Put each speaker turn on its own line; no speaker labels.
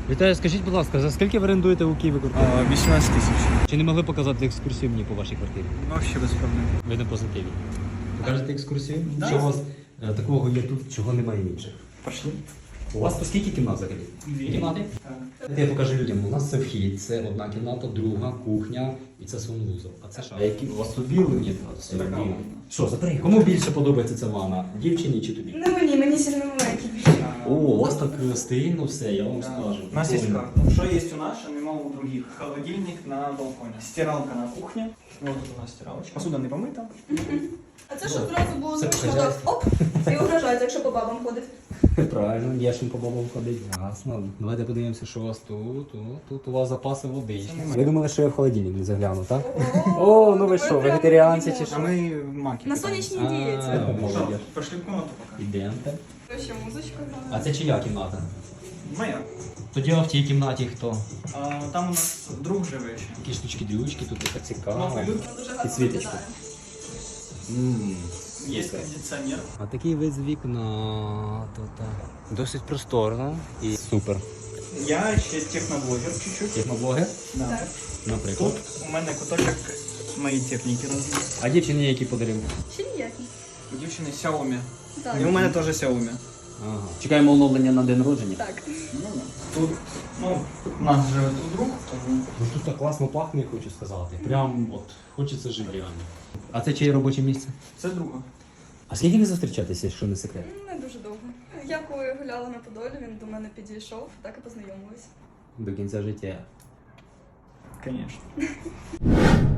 Вітаю, скажіть, будь ласка, за скільки ви орендуєте у Києві квартиру?
18 тисяч.
Чи не могли показати екскурсію мені по вашій квартирі?
Вообще без проблем.
Ви на позитиві. Покажете екскурсію?
Да.
Що у вас такого є тут, чого немає інших?
Пошли.
У вас по скільки кімнат взагалі?
Дві.
Кімнати?
Так.
Я покажу людям. У нас це вхід, це одна кімната, друга, кухня і це санвузол. А це що? А які у вас тут білені? Що, забери, кому більше подобається ця ванна? Дівчині чи тобі?
Ну мені сильно маленький більше.
О, у вас так стильно все, я вам скажу.
У нас есть карта. Что есть у нас, а нема у других. Холодильник на балконе. Стиралка на кухне. Вот тут у нас стиралочка. Посуда не помыта.
А це щоб зразу було
Це
зручно
хазяйство.
так оп, і угрожають, якщо по бабам ходить.
Правильно, є чим по бабам ходить. Ясно. Давайте подивимося, що у вас тут. Тут у вас запаси води. Ви думали, що я в холодильник не загляну, так? О, ну ви що, вегетаріанці чи
А
що?
мы маки.
На сонячній дієті.
Молодець.
Пошли в комнату пока.
Ідемте.
Ще музичка
А
грає.
це чия кімната?
Моя.
Тоді а в тій кімнаті хто?
Там у нас друг живе ще.
Такі штучки-дрючки, тут така цікаво.
Новий люд.
Дуже гарно
Підсвіточку.
виглядає.
Есть кондиционер.
А такий вид з вікна. Досить просторно і супер.
Я ще техноблогер чуть-чуть.
Техноблогер,
Да.
Так.
наприклад.
Тут у мене куточок моєї техніки розмір.
А дівчині які подарив?
Ще ніякий.
У дівчини Xiaomi.
Так.
І у мене теж Xiaomi.
Ага. Чекаємо оновлення на день народження.
Так.
Тут, у нас живе тут друг, тому
Ну тут так класно пахне, хочу сказати. Прям от хочеться жити реально. А це чиє робоче місце?
це друга.
А скільки ви зустрічаєтеся, якщо не секрет?
Не дуже довго. Я коли гуляла на Подолі, він до мене підійшов, так і познайомились.
До кінця життя.
Конечно.